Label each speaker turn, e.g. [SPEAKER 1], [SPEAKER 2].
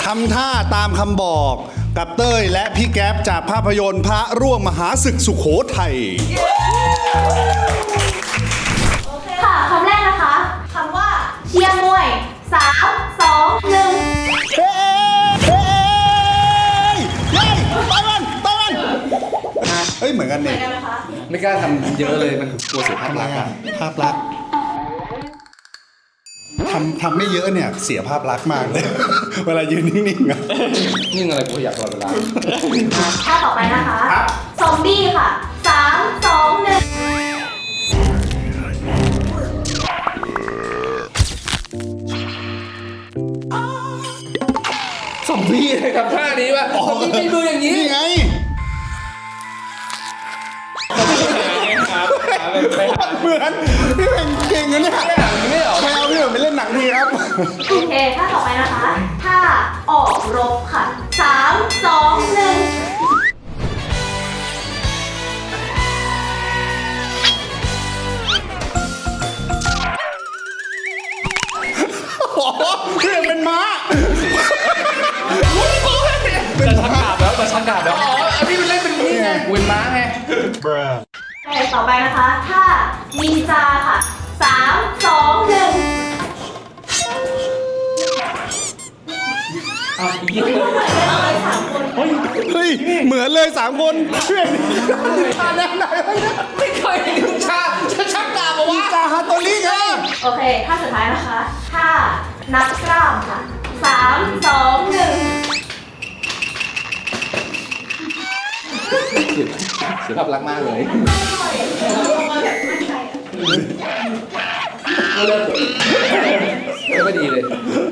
[SPEAKER 1] ทำท่าตามคำบอกกับเต้ยและพี่แก๊ปจากภาพยนตร์พระร่วงมหาศึกสุโขทัย
[SPEAKER 2] ค่ะคำแรกนะคะคำว่าเชียร์มวย3 2 1
[SPEAKER 1] เฮ้ยเฮ้ยต่อยมันเฮ้ยเหมือนกัน
[SPEAKER 2] เหมื
[SPEAKER 1] เนี่
[SPEAKER 2] อย นกันนะคะ
[SPEAKER 3] ไม่กล้าทำเยอะเลยมันกลัวเสียภาพลักษณ์อะ
[SPEAKER 1] ภาพลักษณ์ทำไม่เยอะเนี่ยเสียภาพลักษณ์มากเลย เวลายืนนิ่งๆอะ
[SPEAKER 3] นิ่งอะไรกูอยากตลอดเวลา
[SPEAKER 2] ท่าต่อไปนะคะ
[SPEAKER 1] ครับ
[SPEAKER 2] ซอมบี้ค่ะ3 2 1
[SPEAKER 3] สมพี่เลยครับท่านี้ว่ะสมพี่ไม่ดูอย่างนี้
[SPEAKER 1] นี่ไง เหมือนพี่เป็นเก่งนะเนี่ย
[SPEAKER 3] ไม่หาไม่เหรอ
[SPEAKER 1] ใครเอาพี่เป็นไปเล่นหนังดีครับ
[SPEAKER 2] โอเคท่าต่อไปนะคะท่าออกรบค่ะ3 2 1
[SPEAKER 1] โอ้โหพี่เป็นม้า
[SPEAKER 3] จะชักดาบแล้วจะชักดาบแล้วอ๋ออันนี้มันเล่นเป็นนี่ไงเวนม้าไง
[SPEAKER 2] โอเคต่อไปนะคะท่านินจาค่ะ3 2 1
[SPEAKER 3] อ้าวอีกที
[SPEAKER 1] เฮ้ยเหมือนเลย3 คนเพื่อนท่าแนวไหนวะเนี่ย
[SPEAKER 3] ไม่เคยเห็นลุงชาจะชักดาบมาวะ
[SPEAKER 1] จาฮาโตริไง
[SPEAKER 2] โอเคท่าสุดท้ายนะคะท่านักกล้ามค่ะ3 2 1
[SPEAKER 3] เสียภาพลักษณ์มากเลยไม่ดีเลย